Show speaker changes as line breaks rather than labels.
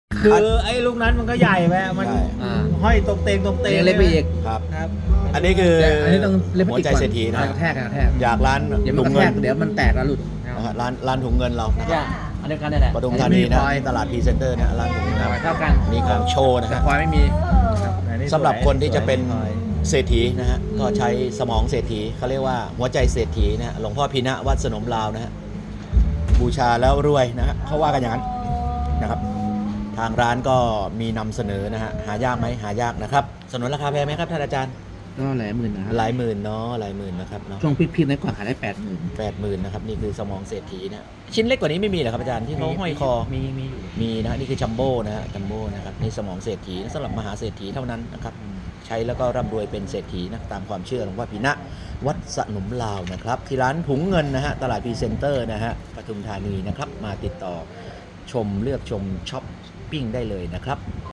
คือไอ้ลูกนั้นมันก็ใหญ่ไปมัน
ใช่
ห้อยตรงเตงตรงเตง
เล็กไปอีก
ครับ
ครับ
อันนี้คือ
แต่อันนี้ต้องเล็กไป
หัว
อีก
ใจ
ก่อน
เศรษฐีนะ
กระแทก
อยากร้าน
เดี๋ยวมั
ถุ
น
ง
กระ
เงิ
แท
น
กเดี๋ยวมันแตกแล้วหลุด
นะฮะร้านถุงเงินเรานะ
ย่าอันเดียวกันนี่แหละ
ปทุมธานีนะ
พลอย
ที่ตลาดพรีเซนเตอร์นะร้านถุงเงิน
เท่ากัน
นี่ของโชว์นะ
แต่
ฮะ
พลอยไม่มี
สำหรับคนที่จะเป็น
สวย
เศรษฐีนะฮะก็ใช้สมองเศรษฐีเขาเรียกว่าหัวใจเศรษฐีนะฮะหลวงพ่อพีนะวัดสนมลาวนะฮะบูชาแล้วรวยนะฮะเขาว่ากันอย่างนั้นนะครับ ทางร้านก็มีนำเสนอนะฮะหายากไหมหายากนะครับสนุนราคาแพงไหมครับท่านอาจารย์
ก็หลายหมื่นนะครับ
หลายหมื่นเนาะหลายหมื่นนะครับเนาะ
ช่วงพีคๆนั้นก่อนขายได้80,000
80,000นะครับนี่คือสมองเศรษฐีนะชิ้นเล็กกว่านี้ไม่มีเหรอครับอาจารย์ที่เขาห้อยคอ
มี
มีนะฮะนี่คือจัมโบ้นะฮะจัมโบ้นะครับนี่สมองเศรษฐีสำหรับมหาเศรษฐีเท่านั้นนะครับใช้แล้วก็ร่ำรวยเป็นเศรษฐีนะตามความเชื่อหลวงพ่อพีนะวัดสนมลาวนะครับที่ร้านถุงเงินนะฮะตลาดพรีเซนเตอร์นะฮะปทุมธานีนะครับมาติดต่อชมเลือกชมช้อปปิ้งได้เลยนะครับ